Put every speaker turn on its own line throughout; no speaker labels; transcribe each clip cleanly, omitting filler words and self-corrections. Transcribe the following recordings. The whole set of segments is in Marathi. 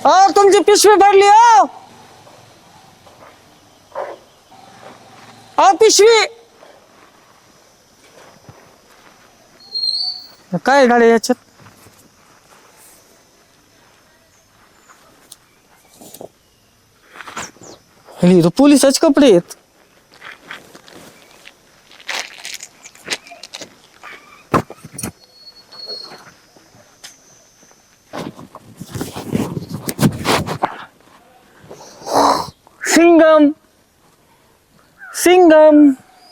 तुमची पिशवी पडली पिशवी काय गाडी याच्यात तो पोलिसाचे कपडे आहेत. सिंगम सिंगम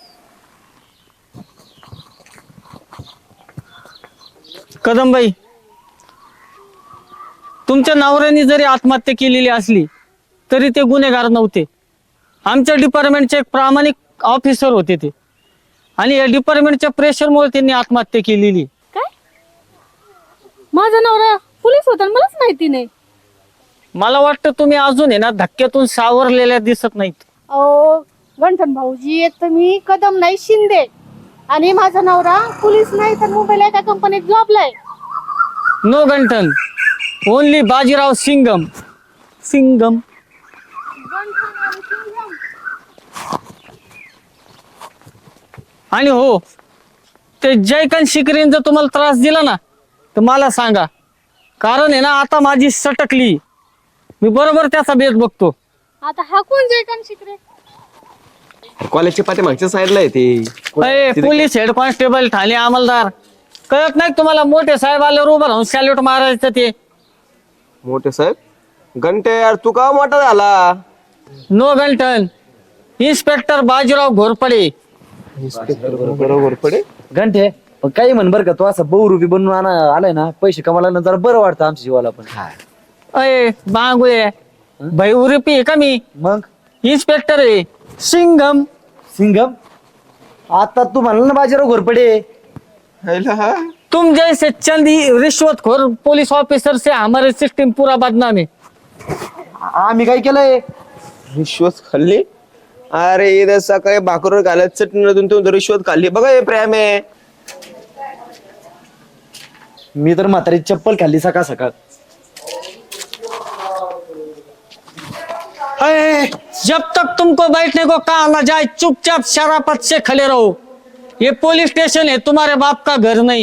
कदमबाई, तुमच्या नवऱ्याने जरी आत्महत्या केलेली असली तरी ते गुन्हेगार नव्हते. आमच्या डिपार्टमेंटचे एक प्रामाणिक ऑफिसर होते ते, आणि या डिपार्टमेंटच्या प्रेशरमुळे त्यांनी आत्महत्या केलेली.
काय? माझा नवरा पोलीस होता मलाच माहिती नाही.
मला वाटतं तुम्ही अजून आहे ना धक्क्यातून सावरलेल्या दिसत नाहीत.
अहो गंठन भाऊजी, एक तर मी कदम नाही शिंदे, आणि माझा नवरा पोलीस नाही तर मुंबईला एका कंपनीत जॉबलाय.
नो गंठन, ओनली बाजीराव सिंगम. सिंगम आणि हो, ते जयकांत शिकरेन जर तुम्हाला त्रास दिला ना तर मला सांगा, कारण आहे ना आता माझी सटकली, मी बरोबर त्याचा बेत बघतो.
आता हा कोण जयकांत शिकरे?
कॉलेजच्या पाठीमागच्या साईडला आहे ते.
पोलीस हेड कॉन्स्टेबल ठाणे अंमलदार, कळत नाही तुम्हाला? मोठे साहेब आल्यावर उभं राहून सॅल्यूट मारायचं ते.
मोठे साहेब घंटे, यार तू का मोठा झाला?
नो गंठन, इन्स्पेक्टर बाजीराव घोरपडे.
बरोबर पडे
घंटे पण काही म्हण बरं का, तो असं बहुरूपी बनून आलाय ना, पैसे कमाला जरा बरं वाटतं आमच्या जीवाला पण.
अय बांगुळे, भाई उरपी आहे का मी?
मग
इन्स्पेक्टर आहे सिंगम.
सिंगम? आता तू म्हणला ना बाजीराव घोरपडे.
तुम जैसे चंदी रिश्वतखोर पुलिस ऑफिसर से हमारी सिस्टम पूरा बदनाम है.
आम्ही काय केलंय?
रिश्वत खाल्ली? अरे इथे सकाळी भाकरवर घालत चटणीतून तू रिश्वत खाल्ली बघा. हे प्रेम आहे.
मी तर म्हातारी चप्पल खाल्ली सकाळ सकाळ.
जब तक तुमको बैठने को कहा ना जाए चुपचाप शराफत से खड़े रहो. ये पुलिस स्टेशन है, तुम्हारे बाप का घर नहीं.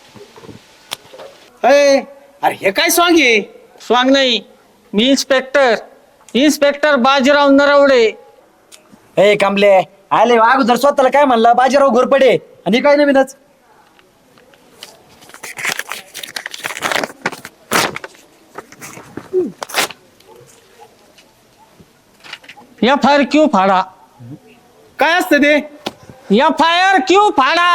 अरे हे काय सॉंग आहे?
स्वांग नहीं, मी इन्स्पेक्टर बाजीराव नरवडे.
ए कांबले आले अगोदर स्वतःला काय म्हणला बाजीराव घोरपडे, आणि काय नवीनच?
FIR क्यों फाड़ा?
काय असतं ते?
FIR क्यों फाड़ा?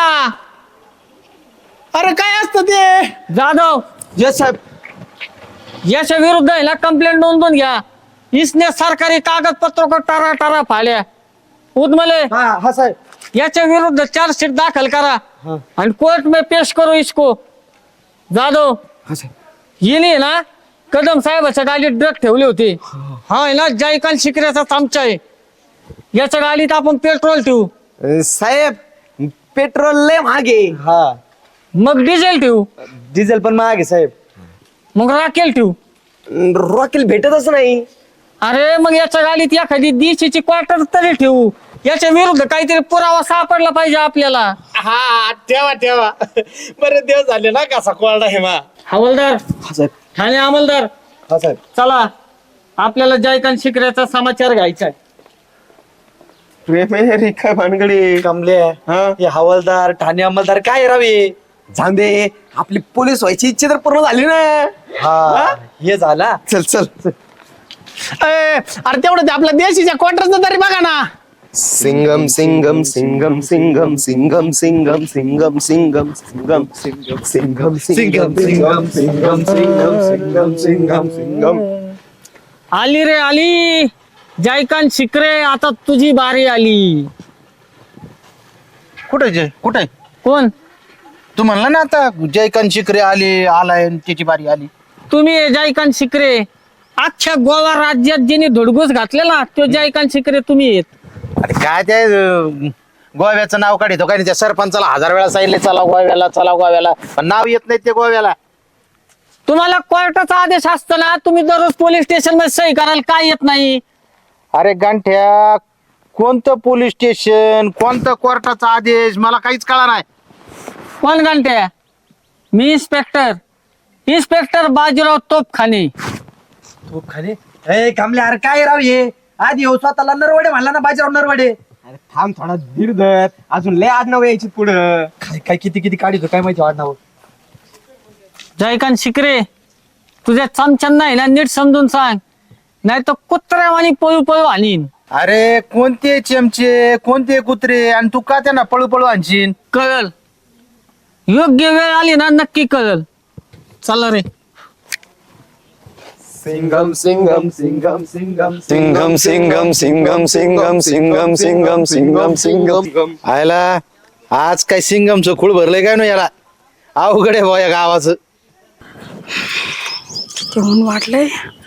अरे काय असतं ते?
जाधव,
यस साहेब.
याच्या विरुद्ध आहे ना कंप्लेंट नोंदवून घ्या. इसने सरकारी कागदपत्रों को टारा टारा फाड्या. उदमले,
हा साहेब.
याच्या विरुद्ध चार्जशीट दाखल करा आणि कोर्ट में पेश करो इसको. जाधव, येणे ना कदम साहेबाच्या गाडीत ड्रग ठेवले होते. हा आहे ना जयकांत शिकऱ्याचा चमचा आहे. याच्या गाडीत आपण पेट्रोल ठेवू,
साहेब पेट्रोल लय मागे.
हा
मग डिझेल ठेवू,
डिझेल पण महाग आहे साहेब.
मग राखेल ठेवू.
रॉकेल भेटतच नाही.
अरे मग याच्या गाडीत एखादी देशीची क्वार्टर तरी ठेवू. याच्या विरुद्ध काहीतरी पुरावा सापडला पाहिजे आपल्याला.
हा ठेवा ठेवा. बरेच दिवस झाले ना कसा कोरडा हे मा.
हवालदार,
हा साहेब.
ठाणे अंमलदार,
हा साहेब.
चला आपल्याला जयकांत शिकऱ्याचा समाचार घ्यायचा आहे.
प्रेम आहे रे काय भानगडी.
कांबले हे हवालदार ठाणे अंमलदार काय रावे.
झांदे आपली पोलीस व्हायची इच्छा तर पूर्ण झाली ना.
हा हे झाला.
चल चल.
अरे तेवढं ते आपल्या देशीच्या क्वार्टरचं तरी बघा ना.
सिंगम सिंगम सिंगम सिंगम सिंगम सिंगम सिंगम सिंगम सिंगम सिंगम सिंगम सिंगम सिंगम सिंगम सिंगम सिंगम सिंगम.
आली रे आली जयकांत शिकरे, आता तुझी बारी आली.
कुठे
कोण?
तू म्हणला ना आता जयकांत शिकरे आलाय त्याची बारी आली.
तुम्ही आहे जयकांत शिकरे. अख्ख्या गोवा राज्यात ज्यांनी धुडगूस घातलेला तो जयकांत शिकरे तुम्ही आहेत.
अरे काय ते गोव्याचं नाव काढतो काय? त्या सरपंचाला 1000 वेळा सांगितले चला गोव्याला, पण नाव येत नाही ते गोव्याला.
अरे, अरे तेवढं ते आपल्या देशीच्या क्वार्टरचं तरी बघा ना.
काय?
तुम्हाला कोर्टाचा आदेश असताना तुम्ही दररोज पोलीस स्टेशन मध्ये सही करायला काय येत नाही?
अरे गांठ्या, कोणतं पोलीस स्टेशन, कोणतं कोर्टाचा आदेश, मला काहीच कळा नाही.
कोण घंटे? मी इन्स्पेक्टर बाजीराव तोपखाने.
तू खाली ए कमले, अरे काय राव हे आधी हो स्वतःला नरवडे म्हणला ना, बाजीराव नरवडे.
अरे थांब थोडा धीर धर, अजून लय आडनाव यायची पुढं.
काय काय किती काढितो काय माहिती वाढणार.
जयकांत शिकरे, तुझ्या चमच्यान नाही ना, नीट समजून सांग, नाही तर कुत्र्यावानी पळू पळू आणीन.
अरे कोणते चमचे, कोणते कुत्रे, आणि तू का त्यांना पळू पळू आणशील?
कळल, योग्य वेळ आली ना नक्की कळल. चला रे.
सिंगम सिंगम सिंगम सिंगम सिंगम सिंगम सिंगम सिंगम सिंगम सिंगम सिंगम सिंगम.
आयला आज काय सिंगमचं खूळ भरलंय काय ना याला, अवघड आहे भाऊ या गावाचं.
तेवढून वाटलंय.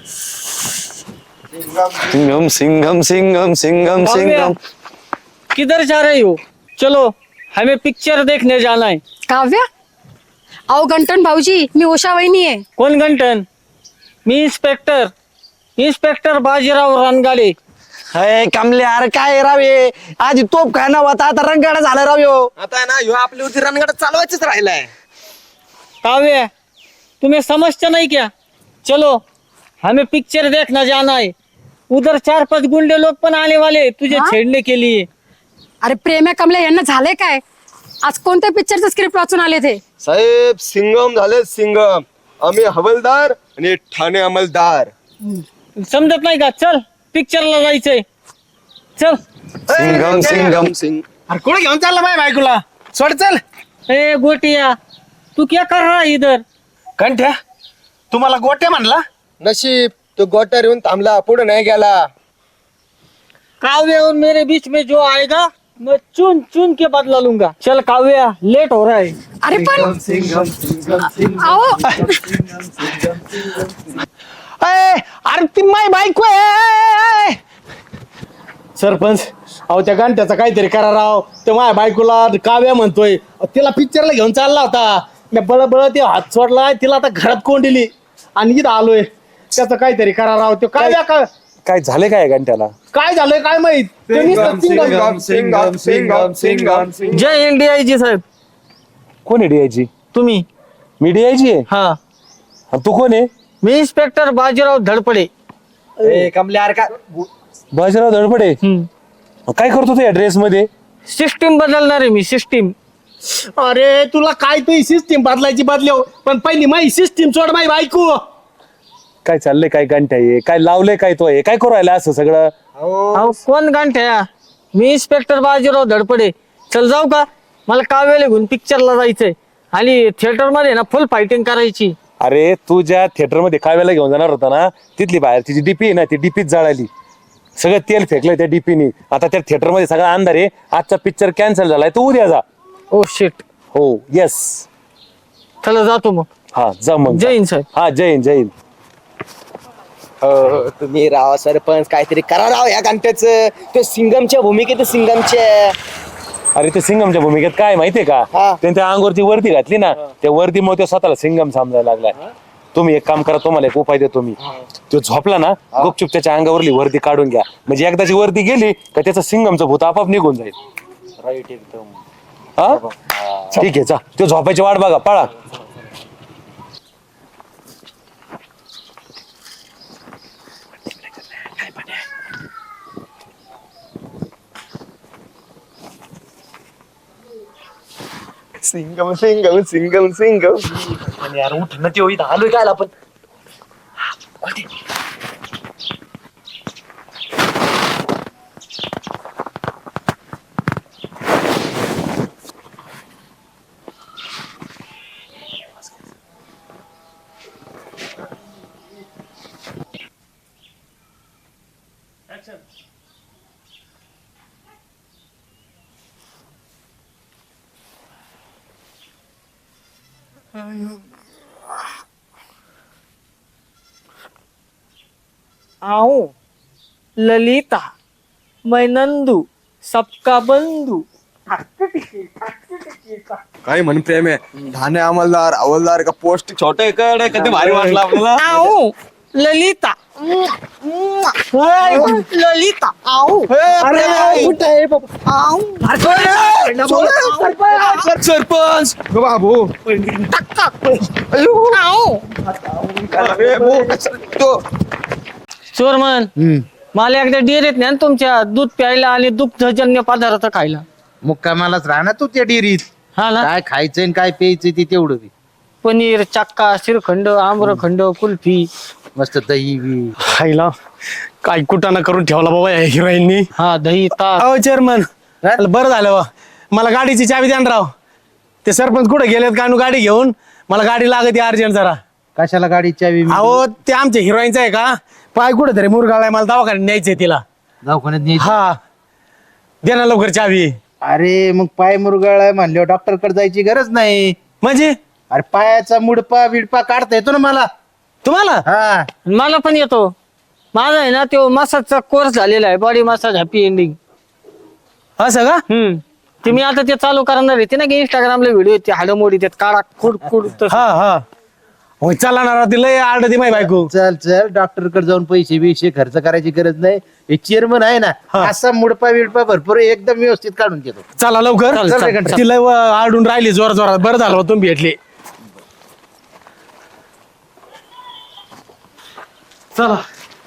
सिंगम सिंगम सिंगम सिंगम सिंगम.
किधर जा रहे हो? चलो हमें पिक्चर देखने जाना है.
काव्या, अहो गंटन भाऊजी, मी उषा वहिनी आहे.
कोण घंटन? मी इन्स्पेक्टर बाजीराव रणगाडे.
अरे कमले, अरे काय राव हे, आधी तोप काय ना होता, आता रंगाडा झाला राव ह्यो.
आता आहे ना, ह्यो आपल्यावरती रणगाडा चालवायचंच राहिलाय.
काव्य, तुम्हें समझते नहीं क्या? चलो हमें पिक्चर देखना जाना है. उधर 4-5 गुंडे लोग पण आने वाले तुझे छेड़ने के लिए.
अरे प्रेम कमले, यांना झाले काय? आज कोणत्या पिक्चरचं स्क्रिप्ट वाचून आले ते?
साहेब सिंगम झाले सिंगम, आम्ही हवलदार आणि ठाणे अंमलदार.
समजत नाही का? चल पिक्चरला जायचंय, चल.
सिंगम सिंगम सिंग.
अरे कोण घेऊन चालला माझ्या बायकोला? सोड चल.
ए गोटिया, तू क्या कर रहा है इधर?
कंठ्या, तुम्हाला गोट्या म्हणला?
नशीब तो गोट्यावर येऊन थांबला, पुढे नाही गेला.
काव्य और मेरे बीच में जो आएगा मैं चुन चुन के बदला लूंगा. चल काव्या, लेट हो रहा है.
अरे पण अहो,
अरे ती माय बायको आहे. सरपंच, अहो त्या गांठ्याचा काहीतरी करा राव. ते माझ्या बायकोला काव्या म्हणतोय, तिला पिक्चरला घेऊन चालला होता. मी बळ ते हात सोडलाय, तिला आता घरात कोंडली आणि इथं आलोय. त्याचं काहीतरी करा राव. तो काव्या
काय झाले काय घंट्याला?
काय झालंय काय माहित. ते नुसतं
सिंगम सिंगम सिंगम सिंगम सिंगम.
जय हिंद DIG साहेब.
कोण आहे डीआयजी?
तुम्ही?
मी डीआयजी आहे.
हा,
आणि तू कोण आहे?
मी इन्स्पेक्टर बाजीराव धडपडे.
कमले, अरे काय बाजीराव धडपडे, काय करतो तू या ड्रेस मध्ये?
सिस्टीम बदलणार आहे मी, सिस्टीम.
अरे तुला काय तू सिस्टीम बदलायची बदलव, पण पहिली माही सिस्टीम सोड. माही बायको
काय चाललंय काय घंटा आहे? काय लावलंय काय तो? हे काय करू राहिला असं सगळं?
अहो कोण गांठ्या? मी इन्स्पेक्टर बाजीराव धडपडे. चल जाऊ का? मला काव्याला घेऊन पिक्चरला जायचंय आणि थिएटर मध्ये ना फुल फायटिंग करायची.
अरे तू ज्या थिएटर मध्ये काव्याला घेऊन जाणार होता ना, तिथली बाहेरची जी डीपी आहे ना, ती डीपीच जळाली. सगळं तेल फेकलंय त्या डीपीने. आता त्या थिएटर मध्ये सगळा अंधार आहे. आजचा पिक्चर कॅन्सल झालाय, तू उद्या जा.
Oh shit.
हो येस.
चला जातो मग.
हा जा मग.
जय हिंद साहेब.
हा जय हिंद जय हिंद.
हो, तुम्ही राव सरपंच, काहीतरी करा राव या घंट्याचं. ते सिंगमच्या भूमिकेत सिंगमच्या.
अरे ते सिंगमच्या भूमिकेत काय माहितीये का?
हा.
त्यांनी त्या अंगावरती वरती घातली ना, त्या वरती मग तो स्वतःला सिंगम समजायला लागलाय. तुम्ही एक काम करा, तुम्हाला एक उपाय देतो मी. तो झोपला ना, गुपचूप त्याच्या अंगावरली वरती काढून घ्या. म्हणजे एकदाची वरती गेली का त्याचं सिंगमचं भूत आपाप निघून जाईल. राईट एकदम. हा ठीक आहे, जा. तो झोपायची वाट बघा, पळा.
सिंगम सिंगम सिंगम सिंगम.
यार उठ ना, ते आलोय काय आपण.
आओ ललिता, मैं नंदू, सबका बंधु.
काय म्हण प्रेम आहे ठाणे अंमलदार हवालदार का पोस्ट छोटे कड कधी भारी वाटलं आपल्याला
आऊ ललिता ललिता आऊ
सरपंच बाबू
चोरमन मला एकदा डेअरीत नाही तुमच्या दूध प्यायला आणि दुग्धजन्य पदार्थ खायला
मुक्कामालाच राहणार तू त्या डेअरीत
हा ना
काय खायचंय आणि काय प्यायचंय ते तेवढं बी.
पनीर चक्का श्रीखंड आम्रखंड कुल्फी
मस्त दही बी
खायला काय कुटाणा करून ठेवला बाबा या हिरोईननी.
हा दही ताक
अहो चेअरमन बरं झालं बा मला गाडीची चावी द्या ना राव. ते सरपंच कुठे गेलेत का गाडी घेऊन मला गाडी लागते अर्जंट जरा.
कशाला गाडी चावी
अहो ते आमच्या हिरोईनचं आहे का पाय कुठे तरी मुरगाळाय मला दवाखान्यात न्यायचंय तिला.
दवाखान्यात न्यायची?
हा दे ना लवकर चावी.
अरे मग पाय मुरगाळाय म्हणल्यावर डॉक्टर कडे जायची गरज नाही.
म्हणजे
अरे पायाचा मुडपा बिडपा काढता येतो ना मला.
तुम्हाला
हा
मला पण येतो. माझा आहे ना तो मसाजचा कोर्स झालेला आहे बॉडी मसाज हॅपी एंडिंग.
असं का
ते मी आता ते चालू करणार आहे ते ना की इंस्टाग्रामला व्हिडिओ ते हाडमोडी त्यात काढा कुड कुड
हा हा होय चला ना राव, तिला आड ती माय बायको.
चल चल डॉक्टर कडे जाऊन पैसे बिशे खर्च करायची गरज नाही. हे चेअरमन आहे ना असा मुडपा बिडपा भरपूर एकदम व्यवस्थित काढून घेतो.
चला लवकर
चल, चल, चल.
तिला आडून राहिली जोर जोरात. बरं झालं हो तुम्ही भेटले. चला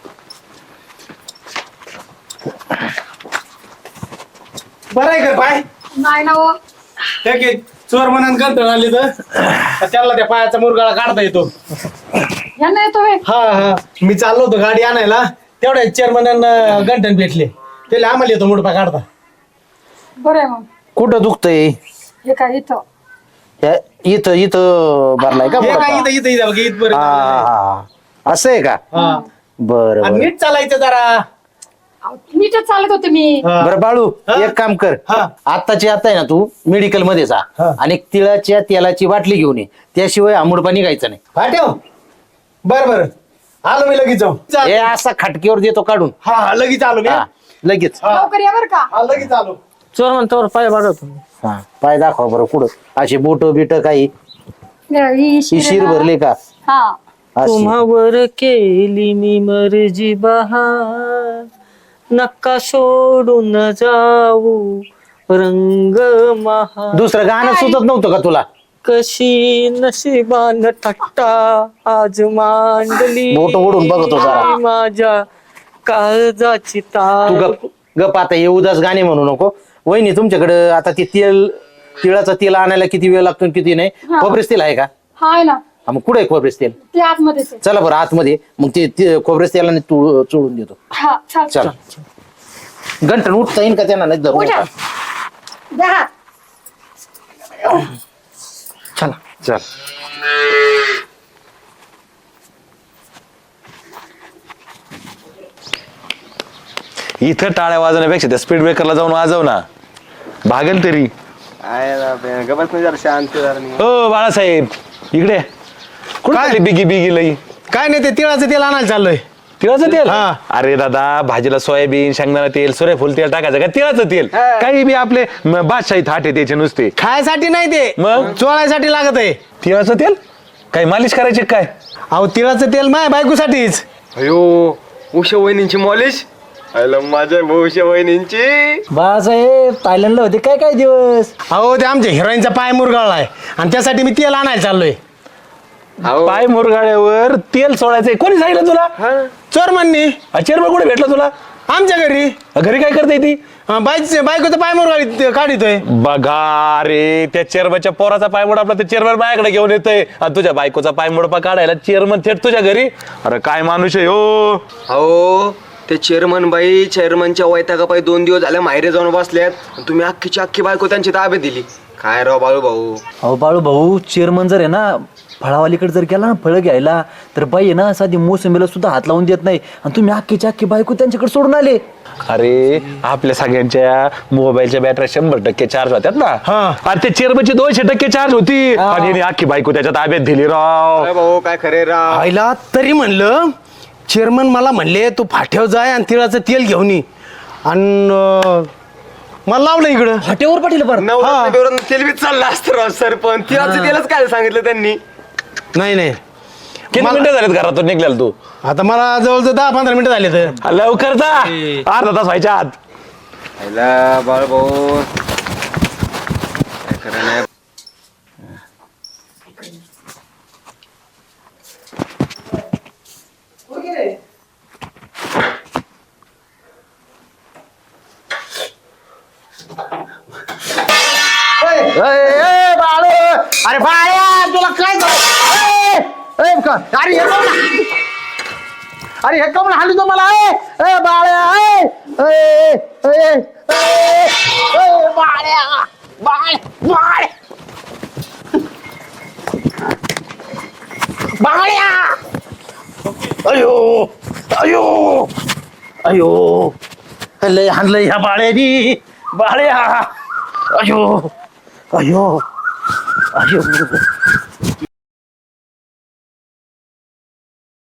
बरं आहे का पाय
नाही ना हो.
ठीक आहे चोर म्हणून कंटाळ आली तर त्याला त्या पायाचा मुरगाळा काढता येतो.
यांना येतो व्हय.
हा हा मी चाललो होतो गाडी आणायला तेवढ्या चेअरमन गंठन भेटले त्याला आम्हाला येतो मुडपा काढता.
बरं आहे मग.
कुठं दुखतंय?
हे काय इथं
इथं इथं भरलाय का
हे
मुडपा?
काय इथं इथं इथं बघ, इथपर्यंत
हा,
आलेलं आहे.
हा, हा. असं आहे का?
हा.
बरं
आणि
बरं.
नीट चालायचं जरा.
नीटच चालत होते मी.
हा.
बरं बाळू
हा?
एक काम कर
हा.
आत्ताची आता आहे ना तू मेडिकल मध्ये जा
हा.
आणि एक तिळाच्या तेलाची बाटली घेऊन ये. त्याशिवाय आंबुडपा निघायचं नाही.
हा ठेव बर बर आलो मी लगेच जाऊ.
हे असा खटकीवर देतो काढून.
हा हा लगेच आलो मी.
हा, लगेच.
लवकर या बरं का.
हा लगेच आलो.
चोर म्हणतो पाय बघतो.
हा पाय दाखवा बरं पुढं असे बोट बिट काही
ही
ही शिर भरले का
हा
अशी.
तुम्हावर केली मी मर्जी बहार नका सोडून जाऊ रंग महा
दुसरं गाणं सुचत नव्हतं का तुला?
कशी नशिबान थट्टा आज मांडली
बोट ओढून बघतो जरा.
माझ्या काळजाची
तू
तार.
गप गप आता हे उदास गाणे म्हणू नको. वहिनी तुमच्याकडे आता ते तिळाचं तेल आणायला किती वेळ लागतो आणि किती नाही?
हा.
खोबरेस तेल आहे का?
हाय ना
हा, मग कुठे आहे खोबरेस तेल?
ते आतमध्ये ते.
चला बरं आतमध्ये मग ते खोबरेस तेलाने चोळून देतो.
हा चाल
चल घंटन उठता येईल का त्यांना? नाही धरून
उठा.
उठा.
द्या हात.
चला
चल इथं टाळ्या वाजवण्यापेक्षा त्या स्पीड ब्रेकरला जाऊन वाजव ना भागेल तरी.
गमत जरा शांत जरा नाही.
हो बाळासाहेब इकडे कुठे आली बिगी बिगी लई?
काय नाही ते तिळाचं तेल आणायला चाललोय.
तिळाचं तेल?
हा.
अरे दादा भाजीला सोयाबीन शेंगदाणा तेल सूर्यफूल तेल टाकायचं का तिळाचं तेल? काही बी आपले बादशाही थाट आहे त्याचे नुसते.
खायसाठी नाही ते
मग?
चोळायसाठी लागत आहे.
तिळाचं तेल काही मालिश करायची काय?
अहो तिळाचं तेल माझ्या बायकोसाठीच.
अयो उषा वहिनींची मॉलिश आयला माझ्या उषा वहिनींची.
बाळासाहेब थायलंडला होते काय काय दिवस?
अहो ते आमच्या हिरोईनचा पाय मुरगाळलाय आणि त्यासाठी मी तेल आणायला चाललोय.
पाय मुरगाळ्यावर तेल सोडायचंय कोणी सांगितलं तुला?
चोर म्हणणी
चेअरमन कुठे भेटला तुला?
आमच्या घरी
घरी काय करते ती?
बायकोचं पाय मुरगाळी काढितोय.
बघा रे त्या चेअरमनच्या पोराचा पायमोड आपला चेअरमन माझ्याकडे घेऊन येतोय आणि तुझ्या बायकोचा पायमोडपा काढायला चेअरमन थेट तुझ्या घरी. अरे काय माणूस आहे हो.
अहो ते चेअरमन बाई चेअरमनच्या वैतागापायी 2 दिवस झाले माहेरे जाऊन बसल्यात आणि तुम्ही अख्खीची अख्खी बायको त्यांची ताब्यात दिली. काय राव बाळू भाऊ.
अहो बाळू भाऊ चेअरमन जर आहे ना फळावालीकडे जर गेला ना फळं घ्यायला तर बाई आहे ना साधी मोसंबीला सुद्धा हात लावून देत नाही आणि तुम्ही अख्खीची अख्खी बायको त्यांच्याकडे सोडून आले.
अरे आपल्या सगळ्यांच्या मोबाईलच्या बॅटऱ्या 100% चार्ज होत्यात ना.
हा.
आणि ते चेअरमनची 200% चार्ज होती आणि हिने अख्खी बायको त्याच्या ताब्यात दिली राव.
काय भाऊ काय खरे राव.
आईला तरी म्हणलं चेअरमन मला म्हणले तू फाट्यावर जाय आणि तिळाचं तेल घेऊन ये आणि मला लावलं इकडं
फाट्यावर पाटील बरं
नवरा तेल बी चालला असतं राव सरपंच त्यालाच काय सांगितलं त्यांनी.
नाही नाही
किती मिनिटं झालेत घरातून निघलेला तू?
आता मला जवळजवळ 10-15 मिनिटं झाले तर.
लवकर जा, अर्धा तास व्हायच्या आत.
बाळ भाऊ
अरे बाळ्या तुला काय झालं? अरे हे कमला अरे हे कमला हाली तो मला बाळ्या बाळ्या बाळ बाळ बाळ्या अयो अयो अयो लय हाणलंय ह्या बाळ्यानी बाळ्या अयो अयो अयो